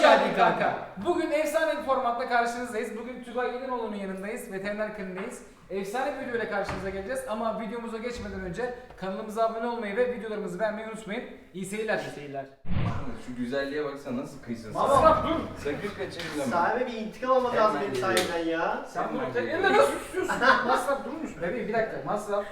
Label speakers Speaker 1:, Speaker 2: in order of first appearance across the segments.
Speaker 1: geldin kanka. Bugün efsane bir formatta karşınızdayız. Bugün Tugay İlinoğlu'nun yanındayız. Veteriner kliniğindeyiz. Efsane bir videoyla karşınıza geleceğiz. Ama videomuza geçmeden önce kanalımıza abone olmayı ve videolarımızı beğenmeyi unutmayın. İyi seyirler.
Speaker 2: İyi seyirler.
Speaker 3: Şu güzelliğe baksana nasıl kıysın.
Speaker 1: Masraf dur.
Speaker 3: Sakın kaçırma.
Speaker 2: Sahibe bir intikam almak lazım
Speaker 3: Hemen
Speaker 2: benim
Speaker 3: geliyorum.
Speaker 2: sayemden ya.
Speaker 1: Sen bunu
Speaker 3: Hemen
Speaker 1: tek
Speaker 3: geliyorum.
Speaker 1: elle nasıl tutuyorsun? Masraf durur musun? Bebeğim bir dakika. Masraf.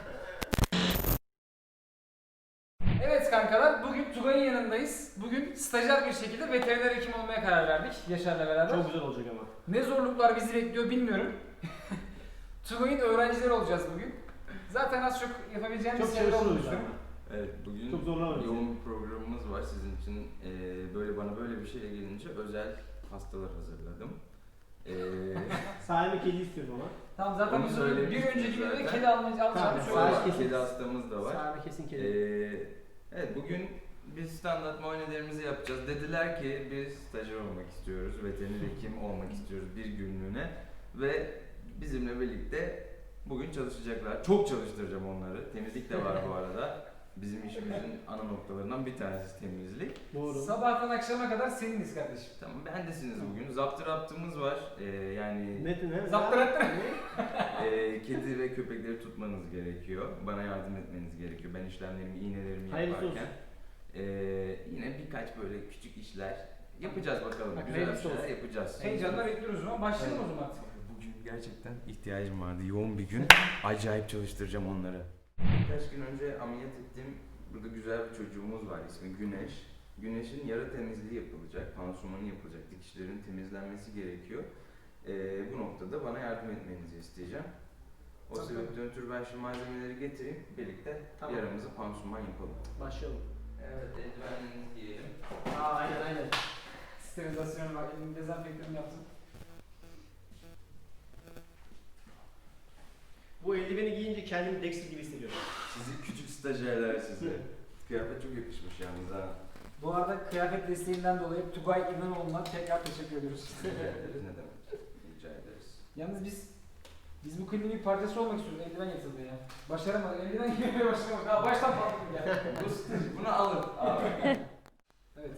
Speaker 1: Evet kankalar, bugün Tugay'ın yanındayız. Bugün stajyer bir şekilde veteriner hekim olmaya karar verdik Yaşar'la beraber.
Speaker 2: Çok güzel olacak ama.
Speaker 1: Ne zorluklar bizi bekliyor bilmiyorum. Tugay'ın öğrencileri olacağız bugün. Zaten az çok yapabileceğimiz
Speaker 2: Çok
Speaker 1: şeyler olduğunu
Speaker 2: çalışıyoruz
Speaker 1: düşünüyorum.
Speaker 3: Evet, bugün
Speaker 2: Çok zorlamadık
Speaker 3: yoğun bir programımız var sizin için. Böyle bana böyle bir şeyle gelince özel pastalar hazırladım.
Speaker 2: Sahibe kedi istiyorum ama.
Speaker 1: Tamam zaten
Speaker 3: Onu
Speaker 1: biz bir
Speaker 3: söylemiştım
Speaker 1: önceki videoda
Speaker 3: zaten.
Speaker 1: kedi alacağımız
Speaker 2: Tamam,
Speaker 1: söyledik.
Speaker 2: sahibi kesin.
Speaker 3: Kedi hastamız da var.
Speaker 2: Sahibe kesin kedi.
Speaker 3: Evet, bugün biz standart muayenelerimizi yapacağız. Dediler ki biz stajyer olmak istiyoruz, veteriner hekim olmak istiyoruz bir günlüğüne ve bizimle birlikte bugün çalışacaklar. Çok çalıştıracağım onları. Temizlik de var bu arada. Bizim işimizin ana noktalarından bir tanesi temizlik.
Speaker 2: Doğru.
Speaker 1: Sabahtan akşama kadar seniniz kardeşim.
Speaker 3: Tamam, bendesiniz bugün. Zaptı var. Yani
Speaker 2: Metin he?
Speaker 1: Zaptı
Speaker 3: kedi ve köpekleri tutmanız gerekiyor. Bana yardım etmeniz gerekiyor. Ben işlemlerimi, iğnelerimi
Speaker 2: Hayırlısı
Speaker 3: yaparken. Yine birkaç böyle küçük işler yapacağız bakalım.
Speaker 1: Bak,
Speaker 3: Güzel
Speaker 1: hayırlısı
Speaker 3: şeyler
Speaker 1: olsun.
Speaker 3: yapacağız.
Speaker 1: Heyecanla bekliyoruz o zaman. Başlayalım o zaman artık.
Speaker 3: Bugün gerçekten ihtiyacım vardı. Yoğun bir gün. Acayip çalıştıracağım onları. Birkaç gün önce ameliyat ettiğim burada güzel bir çocuğumuz var. İsmi Güneş. Güneş'in yara temizliği yapılacak, pansumanı yapılacak, dikişlerin temizlenmesi gerekiyor. Bu noktada bana yardım etmenizi isteyeceğim. O
Speaker 1: Tabii.
Speaker 3: sebepten ötürü ben şu malzemeleri getireyim, birlikte
Speaker 2: Tamam.
Speaker 3: yaramızı pansuman yapalım.
Speaker 2: Başlayalım.
Speaker 3: Evet, eldivenlerinizi giyelim.
Speaker 2: Aynen.
Speaker 1: Sterilizasyonu var. Elimi dezenfektanını yaptım.
Speaker 2: Bu eldiveni giyince kendimi Dexter gibi hissediyorum.
Speaker 3: Sizi küçük stajyerler size. Kıyafet çok yakışmış yalnız ha.
Speaker 1: Bu arada kıyafet desteğinden dolayı Tugay İlinoğlu'na tekrar teşekkür ediyoruz.
Speaker 3: Rica ederiz, ne demek. Rica ederiz.
Speaker 1: Yalnız biz bu kliniğin bir parçası olmak istiyoruz. Eldiven yatıldı ya. Başaramadık. Eldiven giymeye başaramadık. Daha baştan patladık ya.
Speaker 3: Bunu alın. Abi.
Speaker 1: Evet.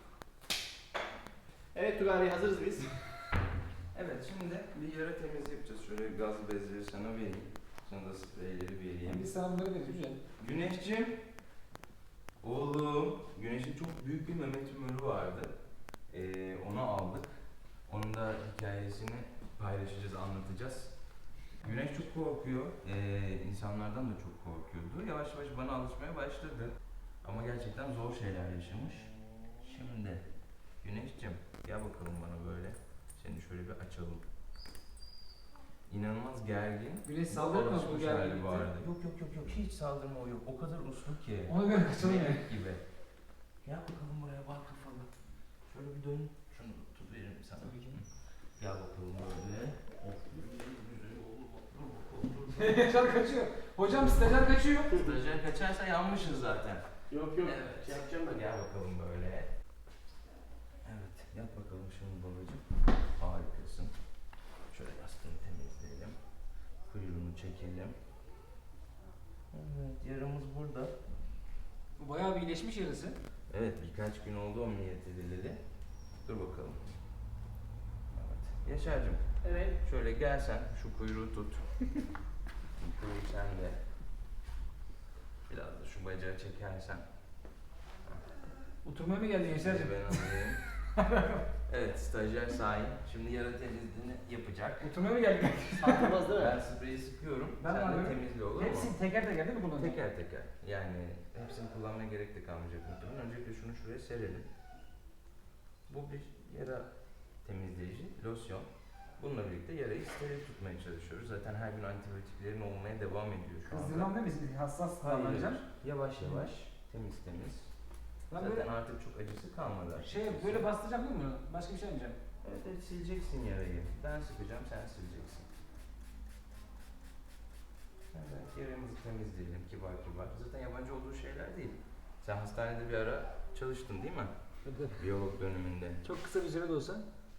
Speaker 2: Evet Tugay Bey, hazırız biz.
Speaker 3: Evet, şimdi bir yara temizliği yapacağız. Şöyle gaz bezleri sana vereyim. Sana da spreyleri vereyim.
Speaker 1: Biz sana bunları veririz Yüce.
Speaker 3: Güneşciğim. Oğlum. Güneş'in çok büyük bir meme tümörü vardı. Onu aldık. Onun da hikayesini paylaşacağız, anlatacağız. Güneş çok korkuyor. İnsanlardan da çok korkuyordu. Yavaş yavaş bana alışmaya başladı. Ama gerçekten zor şeyler yaşamış. Şimdi Güneşciğim gel bakalım bana böyle. Seni şöyle bir açalım. İnanılmaz gergin.
Speaker 1: Güneş saldırır mı bu gerginlikte?
Speaker 3: bu arada. Yok hiç saldırma o yok. O kadar uslu ki.
Speaker 1: Ona göre kaçalım ya.
Speaker 3: Melek gibi. Gel bakalım buraya bak kafalı. Şöyle bir dön. Şunu tut veririm sana.
Speaker 1: Tabii ki.
Speaker 3: Gel bakalım böyle. Of güzel oldu.
Speaker 1: Yaşar kaçıyor. Hocam stajyer kaçıyor.
Speaker 3: Stajyer kaçarsa yanmışız zaten.
Speaker 2: Yok.
Speaker 3: Evet.
Speaker 2: Şey yapacağım ben.
Speaker 3: Gel bakalım böyle. Evet. Yap bakalım şimdi babacığım. Harikasın. Şöyle yastığını temizleyelim. Kuyruğunu çekelim. Evet. Yaramız burada.
Speaker 1: Bu bayağı bir iyileşmiş yarısı.
Speaker 3: Evet. Birkaç gün oldu ameliyat edileli. Dur bakalım. Evet. Yaşar'cığım.
Speaker 2: Evet.
Speaker 3: Şöyle gel sen. Şu kuyruğu tut. Kuyruğu sen de. Biraz da şu bacağı çekersen.
Speaker 1: Oturmaya mı geldin Yaşar'cığım?
Speaker 3: Ben alayım. Evet, stajyer Sahin. Şimdi yara temizliğini yapacak.
Speaker 1: Oturmaya mı geldin?
Speaker 2: Sarkılmaz değil mi?
Speaker 3: Ben spreyi sıkıyorum.
Speaker 1: Ben
Speaker 3: Sen de
Speaker 1: alıyorum.
Speaker 3: temizle olur mu?
Speaker 1: Hepsini teker teker değil mi kullanacağım?
Speaker 3: Teker teker. Yani hepsini kullanmaya gerek de kalmayacak muhtemelen. Öncelikle şunu şuraya serelim. Bu bir yara temizleyici, losyon. Bununla birlikte yarayı steril tutmaya çalışıyoruz. Zaten her gün antibiyotiklerin olmaya devam ediyor şu anda.
Speaker 1: Kızdırmam değil mi? Biz hassas
Speaker 3: Hayır,
Speaker 1: davranacağım.
Speaker 3: yavaş yavaş, temiz.
Speaker 1: Ben
Speaker 3: Zaten
Speaker 1: böyle
Speaker 3: artık çok acısı kalmadı.
Speaker 1: böyle bastıracağım değil mi bunu? Başka bir şey yapmayacağım.
Speaker 3: Evet, sileceksin yarayı. Ben sıkacağım, sen sileceksin. Evet, yaramızı temizleyelim kibar. Zaten yabancı olduğu şeyler değil. Sen hastanede bir ara çalıştın değil mi? Biyolog döneminde.
Speaker 1: Çok kısa bir süre de olsa.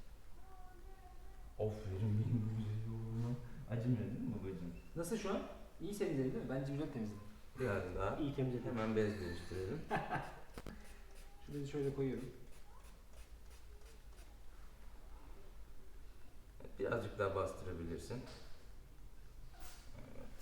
Speaker 3: Aferin benim güzel oğluma. Acımıyor değil mi babacığım?
Speaker 1: Nasıl şu an? İyi temizledin değil mi? Bence güzel temizledin.
Speaker 3: Biraz daha.
Speaker 2: İyi temizledim.
Speaker 3: Hemen bez değiştirelim.
Speaker 1: Şu bezi şöyle koyuyorum.
Speaker 3: Birazcık daha bastırabilirsin. Evet.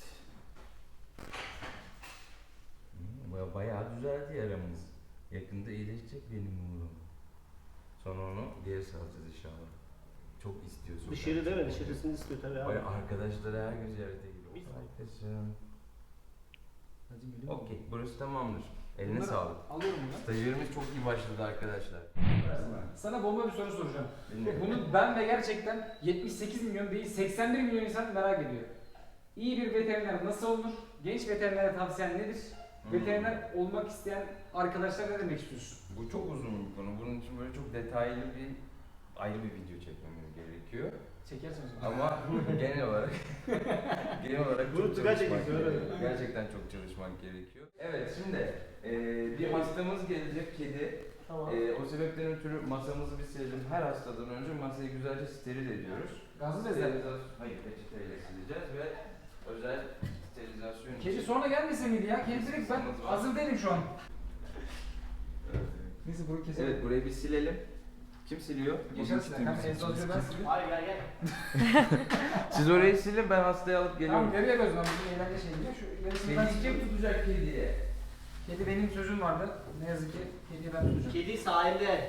Speaker 3: Bayağı düzeldi yaramız. Yakında iyileşecek benim oğlum. Sonra onu geri salacağız inşallah. Çok istiyor sokak.
Speaker 2: Dışarı değil mi? Dışarısını istiyor tabii abi.
Speaker 3: Arkadaşları her gün ziyarete geliyor. Arkadaşım.
Speaker 1: Hadi gülüm.
Speaker 3: Okey, burası tamamdır. Eline
Speaker 1: Bunları
Speaker 3: sağlık.
Speaker 1: Alıyorum bunu.
Speaker 3: Stajyerimiz çok iyi başladı arkadaşlar.
Speaker 1: Sana bomba bir soru soracağım.
Speaker 3: Dinliyorum.
Speaker 1: Bunu ben ve gerçekten 78 milyon değil 81 milyon insan merak ediyor. İyi bir veteriner nasıl olunur? Genç veterinere tavsiyen nedir? Veteriner olmak isteyen arkadaşlar ne demek istiyorsun?
Speaker 3: Bu çok uzun bir konu. Bunun için böyle çok detaylı bir ayrı bir video çekmemiz gerekiyor.
Speaker 1: Çekersin o zaman.
Speaker 3: Ama genel olarak
Speaker 2: Bunu
Speaker 3: çok
Speaker 2: Tugay
Speaker 3: çalışmak
Speaker 2: çekiyor,
Speaker 3: gerekiyor.
Speaker 2: öyle.
Speaker 3: Gerçekten çok çalışmak gerekiyor. Evet, şimdi bir hastamız gelecek, kedi.
Speaker 2: Tamam.
Speaker 3: O sebepten ötürü masamızı bir silelim. Her hastadan önce masayı güzelce steril ediyoruz.
Speaker 1: Gazlı bezler.
Speaker 3: Hayır, peçeteyle sileceğiz ve özel sterilizasyon için.
Speaker 1: Kedi sonra gelmese miydi ya? Kedi direkt ben hazır değilim şu an.
Speaker 3: Evet.
Speaker 1: Neyse burayı keselim.
Speaker 3: Evet, burayı bir silelim. Kim siliyor?
Speaker 1: Geçersin. Hem egzozcu ben sileyim.
Speaker 2: Hayır gel gel.
Speaker 3: Siz orayı silin, ben hastayı alıp geliyorum.
Speaker 1: Tamam nereye gözüm? Bizim eğlence şeyi. Şu yarısını ben
Speaker 3: Kedi
Speaker 1: sileceğim.
Speaker 3: kim tutacak kediye?
Speaker 1: Kedi benim sözüm vardı. Ne yazık ki kediyi ben tutacağım.
Speaker 2: Kedi sahilde.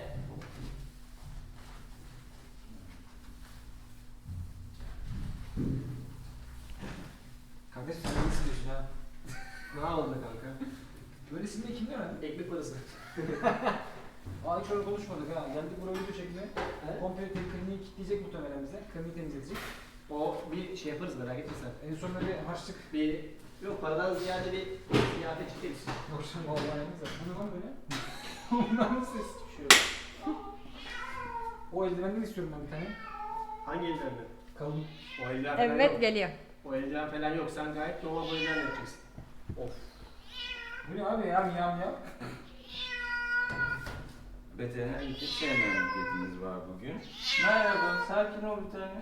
Speaker 1: Kardeş sen nasıl siliyorsun ha?
Speaker 2: Ne yapalım be kanka?
Speaker 1: Böyle silmeyi kim öğrendi?
Speaker 2: Ekmek parası.
Speaker 1: Aa hiç öyle konuşmadık ha. Geldik buraya video çekmeye.
Speaker 2: He?
Speaker 1: Komple kliniği kilitleyecek muhtemelen bize. Kliniği temizleyecek.
Speaker 2: O bir şey yaparız merak etme sen.
Speaker 1: En sonunda bir harçlık.
Speaker 2: Bir yok paradan ziyade bir ziyafet çekeriz.
Speaker 1: Yok şimdi vallahi yalnız da. Bu ne lan böyle? Ondan mı ses?
Speaker 2: Bir şey yok.
Speaker 1: O eldivenden istiyorum ben bir tane.
Speaker 2: Hangi eldivenler?
Speaker 1: Kalın.
Speaker 2: O eldiven falan
Speaker 4: Evet
Speaker 2: yok.
Speaker 4: geliyor.
Speaker 2: O eldiven falan yok. Sen gayet normal bu eldiven yapacaksın. Of.
Speaker 1: Bu ne abi ya miyav miyav.
Speaker 3: Veteriner için sevmeyen bir kedimiz var bugün. Merhaba, sakin ol bir tane.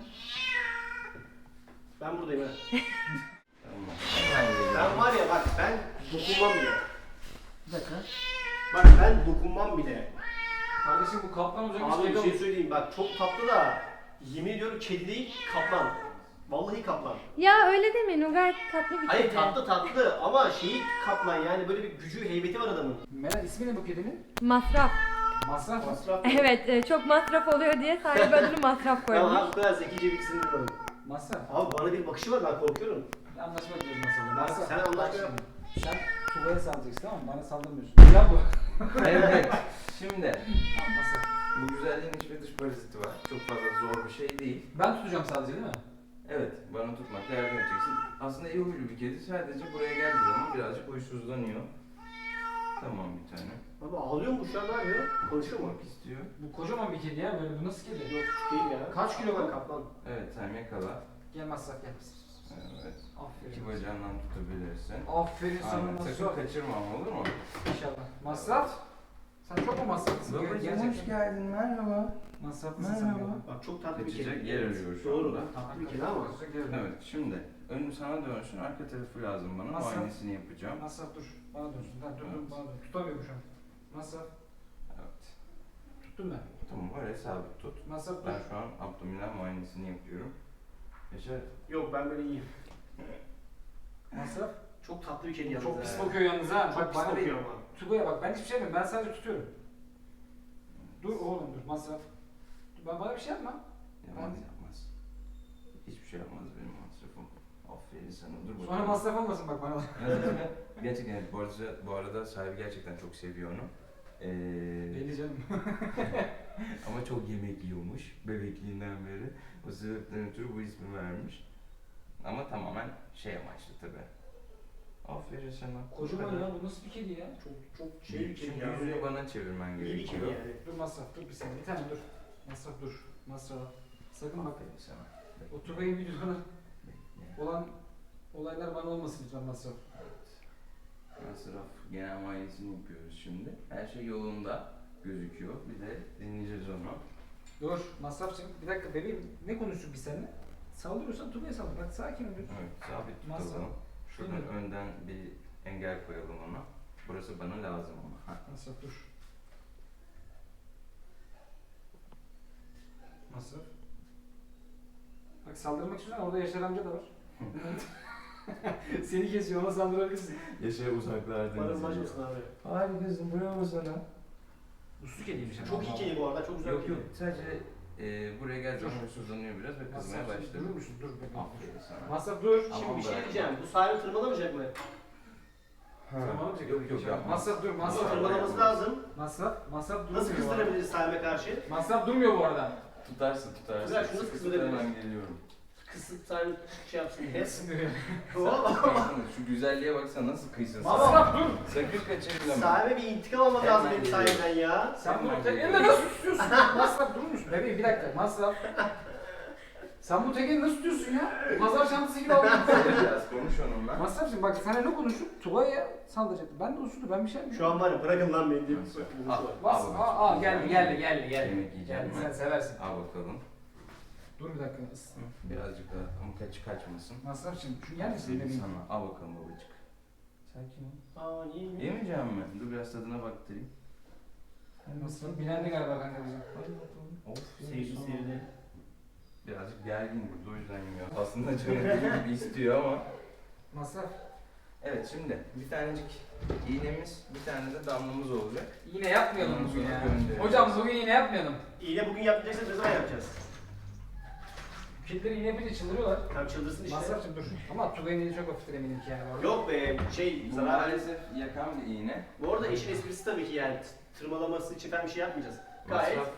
Speaker 2: Ben buradayım ha.
Speaker 3: Tamam. Hemen geliyorum.
Speaker 2: Ben var ya bak ben dokunmam bile.
Speaker 1: Bir dakika.
Speaker 2: Bak ben dokunmam bile.
Speaker 1: Kardeşim bu kaplan olacakmış.
Speaker 2: Abi bir
Speaker 1: kedi
Speaker 2: şey
Speaker 1: olur.
Speaker 2: söyleyeyim bak çok tatlı da yemin ediyorum kedi değil kaplan. Vallahi kaplan.
Speaker 4: Ya öyle demeyin, o gayet tatlı bir
Speaker 2: Hayır
Speaker 4: kedi.
Speaker 2: tatlı ama şeyi kaplan yani böyle bir gücü heybeti var adamın.
Speaker 1: Meral ismi ne bu kedinin?
Speaker 4: Masraf.
Speaker 1: Masraf mı?
Speaker 2: Masraf.
Speaker 4: Evet, çok masraf oluyor diye sahibi adını masraf
Speaker 2: Tamam
Speaker 4: koymuş.
Speaker 2: abi bu kadar zekice bir ikisini bulmadım.
Speaker 1: Masraf.
Speaker 2: Abi bana bir bakışı var ben korkuyorum.
Speaker 1: Bir anlaşma ediyoruz mesela.
Speaker 2: Bak,
Speaker 1: Masraf.
Speaker 2: sen anlaşma
Speaker 1: Bak
Speaker 2: yap.
Speaker 1: şimdi, sen Tugay'a saldıracaksın tamam mı? Bana saldırmıyorsun. Ya bu.
Speaker 3: Evet, şimdi
Speaker 1: Tamam masraf.
Speaker 3: bu güzelliğin iç ve dış paraziti var. Çok fazla zor bir şey değil.
Speaker 1: Ben tutacağım sadece değil mi?
Speaker 3: Evet, bana tutmakta yardım edeceksin. Aslında iyi huylu bir kedi. Sadece buraya geldiği zaman birazcık huysuzlanıyor. Tamam bir tane.
Speaker 2: Abi ağlıyor mu bu şu an ne yapıyor? Konuşuyor mu?
Speaker 3: Çok istiyor.
Speaker 1: Bu kocaman bir kedi ya böyle bu nasıl kedi?
Speaker 2: Yok küçük değil ya.
Speaker 1: Kaç kilo bu?
Speaker 2: Kaplan.
Speaker 3: Evet, sen yakala.
Speaker 1: Gel masraf gel.
Speaker 3: Evet.
Speaker 1: Aferin.
Speaker 3: İki bacağından tutabilirsin.
Speaker 1: Aferin sana
Speaker 3: Aynen, sakın
Speaker 1: masraf.
Speaker 3: kaçırma ama olur mu?
Speaker 1: İnşallah. Masraf. Sen çok mu masraflısın?
Speaker 3: Babacığım hoş geldin, merhaba.
Speaker 1: Masraflısın sen
Speaker 3: Merhaba.
Speaker 1: ya.
Speaker 2: Bak çok tatlı bir
Speaker 3: Kaçacak
Speaker 2: kedi.
Speaker 3: yer arıyor şu
Speaker 2: Doğru.
Speaker 3: anda.
Speaker 2: Tatlı bir kedi ama.
Speaker 3: Evet, şimdi önüm sana dönsün, arka tarafı lazım bana.
Speaker 1: Masraf.
Speaker 3: Muayenesini yapacağım.
Speaker 1: Masraf dur. Bana dönsün. Tamam dur dur
Speaker 3: Evet.
Speaker 1: bana dön. Tutamıyorum şu an. Masraf.
Speaker 3: Evet.
Speaker 1: Tuttum ben.
Speaker 3: Tamam, oraya sabit tut.
Speaker 1: Masraf dur.
Speaker 3: Ben şu an abdominal muayenesini yapıyorum. Yaşar,
Speaker 2: Yok ben böyle iyiyim.
Speaker 1: Masraf.
Speaker 2: Çok tatlı bir kedi yalnız.
Speaker 1: Çok
Speaker 2: ha.
Speaker 1: pis bakıyor yalnız ha.
Speaker 2: Çok
Speaker 1: Bak
Speaker 2: pis
Speaker 1: bana
Speaker 2: bakıyor
Speaker 1: değil.
Speaker 2: ama.
Speaker 1: Tugay'a bak ben hiçbir şey yapmıyorum. Ben sadece tutuyorum. Dur oğlum dur. Masraf. Dur, bana bir şey yapma.
Speaker 3: yapmaz yapmaz. Hiçbir şey yapmaz benim masrafım. Aferin sana, dur bakalım.
Speaker 1: Sonra masraf olmasın bak bana.
Speaker 3: Gerçekten evet, bu arada sahibi gerçekten çok seviyor onu.
Speaker 1: Belli canım.
Speaker 3: Ama çok yemek yiyormuş bebekliğinden beri. O sebepten ötürü bu ismi vermiş. Ama tamamen şey amaçlı tabi. Aferin sana.
Speaker 1: Kocaman ya bu nasıl bir kedi ya?
Speaker 2: Çok şey bir kedi
Speaker 3: Şimdi
Speaker 2: ya.
Speaker 3: yüzünü bana çevirmen
Speaker 2: İyi bir kedi
Speaker 3: gerekiyor.
Speaker 2: yani.
Speaker 1: Dur masraf dur bir saniye. Bir tane dur. Masraf dur. Masraf. Sakın bak.
Speaker 3: Aferin sana.
Speaker 1: O Tugay'ın videolarına
Speaker 3: Bekle.
Speaker 1: olan olaylar bana olmasın lütfen masraf.
Speaker 3: Masraf genel muayenesini yapıyoruz şimdi. Her şey yolunda gözüküyor. Bir de dinleyeceğiz onu.
Speaker 1: Dur masrafçım. Bir dakika bebeğim ne konuştuk biz seninle? Saldırıyorsan Tugay'a saldır. Bak sakin ol.
Speaker 3: Evet, sabit
Speaker 1: Masraf.
Speaker 3: tutalım. Şuradan
Speaker 1: Bilmiyorum.
Speaker 3: önden bir engel koyalım ona. Burası bana lazım ama.
Speaker 1: Masraf dur. Masraf. saldırmak istiyorsan orada Yaşar amca da var. Seni kesiyor ama saldırabilirsin.
Speaker 3: Yaşar uzaklarda.
Speaker 2: Bana ulaşmasın abi.
Speaker 3: Harikasın, bravo sana.
Speaker 1: Uslu kediymiş ama.
Speaker 2: Çok iyi kedi bu arada, çok güzel
Speaker 3: Yok
Speaker 2: kedi.
Speaker 3: yok, sadece buraya geldiği zaman huysuzlanıyor biraz ve kızmaya
Speaker 1: Masraf
Speaker 3: başladı.
Speaker 1: durur musun? Dur bekle.
Speaker 3: Aferin sana.
Speaker 1: Masraf dur.
Speaker 3: Ama
Speaker 2: Şimdi bir şey
Speaker 3: bırak.
Speaker 2: diyeceğim, bu sahibi tırmalamayacak mı?
Speaker 1: Tırmalamayacak.
Speaker 3: Yok yok yapma.
Speaker 1: Masraf dur.
Speaker 2: Ama
Speaker 1: Masraf.
Speaker 2: tırmalaması lazım.
Speaker 1: Masraf durmuyor.
Speaker 2: Nasıl
Speaker 1: bu arada.
Speaker 2: kızdırabiliriz sahibe karşı?
Speaker 1: Masraf durmuyor bu arada.
Speaker 3: Tutarsın.
Speaker 2: Güzel, şunu
Speaker 3: Sıkı
Speaker 2: kızdırabiliriz.
Speaker 3: hemen geliyorum.
Speaker 2: Kısıp sahibi şey yapsın diye.
Speaker 1: Sınırıyor.
Speaker 3: Şu güzelliğe baksana nasıl kıysın sen.
Speaker 1: Masraf dur.
Speaker 3: Sakın kaçırma.
Speaker 2: Sahibe bir intikam almak lazım benim
Speaker 3: Hemen
Speaker 2: sahibden ya.
Speaker 1: Sen bunu
Speaker 3: Hemen
Speaker 1: tek
Speaker 3: geliyorum.
Speaker 1: elle nasıl tutuyorsun? Masraf durur musun? Bebeğim bir dakika. Masraf. Sen bu tek elle nasıl tutuyorsun ya? Pazar çantası gibi aldın.
Speaker 3: Biraz konuş onunla.
Speaker 1: Masrafcığım bak sana ne konuşup Tugay'a saldıracaktı. Ben de usulü ben bir şey yapmıyorum.
Speaker 2: Şu an var ya, bırakın lan beni diye bir
Speaker 3: Nasıl?
Speaker 2: bakıyorsunuz
Speaker 3: Al.
Speaker 2: var.
Speaker 1: Bas, aa geldi.
Speaker 3: Yemek yiyeceğim
Speaker 1: Geldi,
Speaker 3: ben.
Speaker 1: sen seversin.
Speaker 3: Al bakalım.
Speaker 1: Dur bir dakika.
Speaker 3: Birazcık daha ama kaçmasın.
Speaker 1: Masrafcığım şu yer misin
Speaker 3: Sevdim
Speaker 1: bebeğim?
Speaker 3: sana. Al bakalım babacık. Sakin ol.
Speaker 2: Aa niye mi?
Speaker 3: Yemeyeceğim mi? Dur biraz tadına baktırayım.
Speaker 1: Masraf bilendi galiba kanka bize.
Speaker 3: Hadi bakalım. Of.
Speaker 2: Sevdi sevdi.
Speaker 3: Birazcık gergin burada o yüzden yemiyor. Aslında canı deli gibi istiyor ama.
Speaker 1: Masraf.
Speaker 3: Evet şimdi bir tanecik iğnemiz, bir tane de damlamız olacak.
Speaker 1: Yine yapmayalım
Speaker 3: Ondan
Speaker 1: bugün
Speaker 3: sonra
Speaker 1: ya.
Speaker 3: göndereceğiz.
Speaker 1: Hocam bugün yine yapmayalım.
Speaker 2: İğne bugün yapacaksa ne zaman yapacağız?
Speaker 1: Kedileri yine yapınca çıldırıyorlar.
Speaker 2: Tam çıldırsın işte.
Speaker 1: Masrafcığım dur. Ama Tugay'ın eli çok hafiftir eminim ki yani. bu arada.
Speaker 2: Yok be şey
Speaker 3: Bu
Speaker 2: zarar.
Speaker 3: maalesef yakan bir iğne.
Speaker 2: Bu arada işin esprisi tabii ki yani tırmalaması için falan bir şey yapmayacağız. Gayet
Speaker 3: Masraf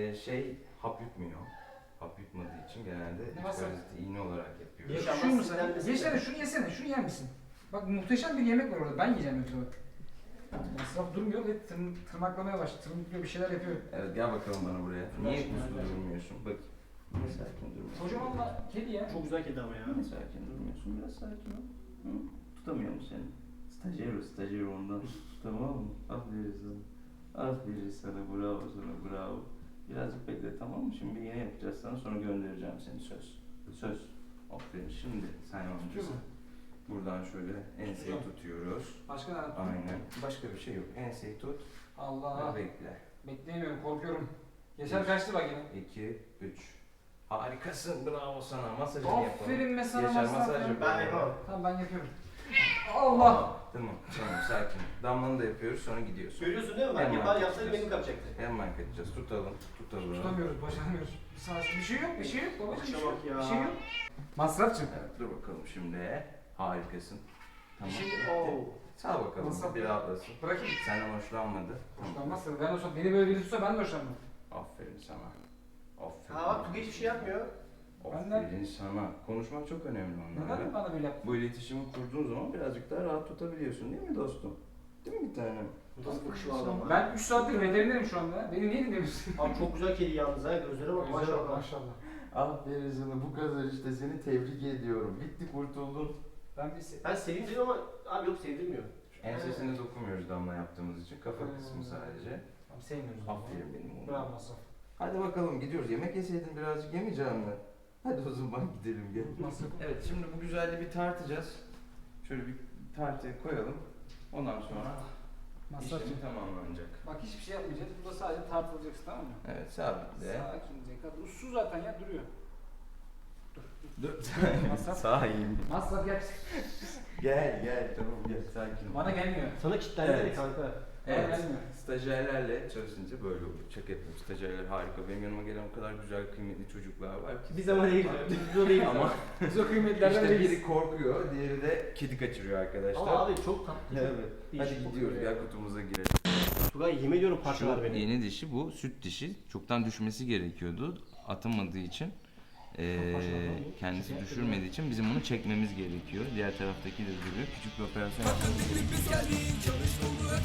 Speaker 3: hap yutmuyor. Hap yutmadığı için genelde
Speaker 1: Ne masraf?
Speaker 3: paraziti iğne olarak yapıyoruz.
Speaker 2: Yaşam-
Speaker 1: Şunu mu sen?
Speaker 2: sinirlenmesin.
Speaker 1: Gençler şunu yesene, şunu yer misin? Bak muhteşem bir yemek var orada, ben yiyeceğim yoksa bak. Masraf durmuyor ve tırmaklamaya başladı, tırmıklıyor bir şeyler yapıyor.
Speaker 3: Evet gel bakalım bana buraya. Niye uslu durmuyorsun? Bak. Niye sakin durmuyorsun?
Speaker 1: Kocamanla kedi ya.
Speaker 2: çok güzel kedi ama ya.
Speaker 3: Niye sakin durmuyorsun? Biraz sakin ol. Hı? Tutamıyor mu seni? Stajyer ondan. Tamam mı? Aferin sana. Aferin sana, bravo sana, bravo. Birazcık bekle tamam mı? Şimdi bir iğne yapacağız sana sonra göndereceğim seni söz. Söz. Aferin. Şimdi sen amcası. Buradan şöyle enseyi
Speaker 1: Tutacağım.
Speaker 3: tutuyoruz.
Speaker 1: Başka ne yaptın?
Speaker 3: Aynen. Başka bir şey yok. Enseyi tut
Speaker 1: Allah.
Speaker 3: ve bekle.
Speaker 1: Bekleyemiyorum, korkuyorum. Yaşar kaçtı bak yine.
Speaker 3: 2, 3. Harikasın. Bravo sana. Masajını yapalım.
Speaker 1: Aferin be sana
Speaker 3: Yaşar
Speaker 1: masraf
Speaker 3: masaj
Speaker 1: ya.
Speaker 3: yapalım.
Speaker 2: Ben yapamam.
Speaker 1: Tamam ben yapıyorum. Allah.
Speaker 3: Tamam sakin. Damlanı da yapıyoruz sonra gidiyorsun.
Speaker 2: Görüyorsun değil mi? Ben
Speaker 3: Hemen
Speaker 2: yapsaydım
Speaker 3: yapacağız.
Speaker 2: benim kapacaktı.
Speaker 3: Hemen kaçacağız. Tutalım.
Speaker 1: Tutamıyoruz, başaramıyoruz. Bir şey yok, bir şey yok babacığım. Bir şey yok.
Speaker 2: Akşama bak ya.
Speaker 1: Bir şey yok. Masrafçım.
Speaker 3: Evet, dur bakalım şimdi. Harikasın. Tamam.
Speaker 2: Şimdi
Speaker 3: bitti.
Speaker 2: ooo.
Speaker 3: Sağ bakalım.
Speaker 1: Masraf
Speaker 3: Bir rahatlasın.
Speaker 1: Bırakayım.
Speaker 3: Senden hoşlanmadı.
Speaker 1: Hoşlanmazsa ben hoşlanmam. Beni böyle biri tutsa ben de hoşlanmam.
Speaker 3: Aferin sana. Aferin.
Speaker 2: Ha bak Tugay hiçbir şey yapmıyor.
Speaker 3: Aferin sana. Konuşmak çok önemli onlarla.
Speaker 1: Neden bana böyle yaptın?
Speaker 3: Bu iletişimi kurduğun zaman birazcık daha rahat tutabiliyorsun değil mi dostum? Değil mi bir tanem?
Speaker 2: Nasıl bakışı var adamın?
Speaker 1: Ben 3 saattir veterinerim şu anda. Beni niye dinlemiyorsun?
Speaker 2: Abi çok güzel kedi yalnız ha. Gözlere bak maşallah.
Speaker 1: Maşallah.
Speaker 3: Aferin sana bu kadar işte seni tebrik ediyorum. Bitti kurtuldun.
Speaker 1: Ben bir
Speaker 2: Ben seveyim dedim ama abi yok sevdirmiyor.
Speaker 3: Ensesine dokunmuyoruz damla yaptığımız için. Kafa kısmı sadece.
Speaker 1: Tamam sevmiyoruz.
Speaker 3: Aferin benim oğlum.
Speaker 1: Bravo Masraf.
Speaker 3: Hadi bakalım gidiyoruz. Yemek yeseydin birazcık yemeyeceğim mi? Hadi o zaman gidelim gel.
Speaker 1: Masraf.
Speaker 3: Evet şimdi bu güzelliği bir tartacağız. Şöyle bir tartıya koyalım. Ondan sonra
Speaker 1: Masrafçım.
Speaker 3: işlemi tamamlanacak.
Speaker 1: Bak hiçbir şey yapmayacağız. Burada sadece tartılacaksın tamam mı?
Speaker 3: Evet sabitle.
Speaker 1: Sakince. Ussuz zaten ya duruyor.
Speaker 3: Dur.
Speaker 1: Masraf.
Speaker 3: Sağ iyi.
Speaker 1: Masraf gel.
Speaker 3: Gel tamam gel sakin ol.
Speaker 1: Bana gelmiyor.
Speaker 2: Sana kilitlendi
Speaker 3: Evet.
Speaker 2: kanka.
Speaker 3: Evet.
Speaker 1: gelmiyor.
Speaker 3: Stajyerlerle çalışınca böyle olur. Şaka yapıyorum. Stajyerler harika. Benim yanıma gelen o kadar güzel kıymetli çocuklar var ki.
Speaker 2: Biz ama değil. Biz o değil
Speaker 3: Ama
Speaker 1: Biz o kıymetlerden
Speaker 3: işte
Speaker 1: değiliz.
Speaker 3: biri korkuyor, diğeri de kedi kaçırıyor arkadaşlar.
Speaker 2: Ama abi çok tatlı.
Speaker 3: Evet.
Speaker 2: Değişik
Speaker 3: Hadi
Speaker 2: kokuyor
Speaker 3: gidiyoruz.
Speaker 2: ya.
Speaker 3: Gel kutumuza girelim.
Speaker 2: Tugay yemin ediyorum parçalar beni.
Speaker 3: Yeni dişi bu. Süt dişi. Çoktan düşmesi gerekiyordu. Atamadığı için. Kendisi düşürmediği için bizim bunu çekmemiz gerekiyor. Diğer taraftaki de duruyor. Küçük bir operasyon yapmamız gerekiyor.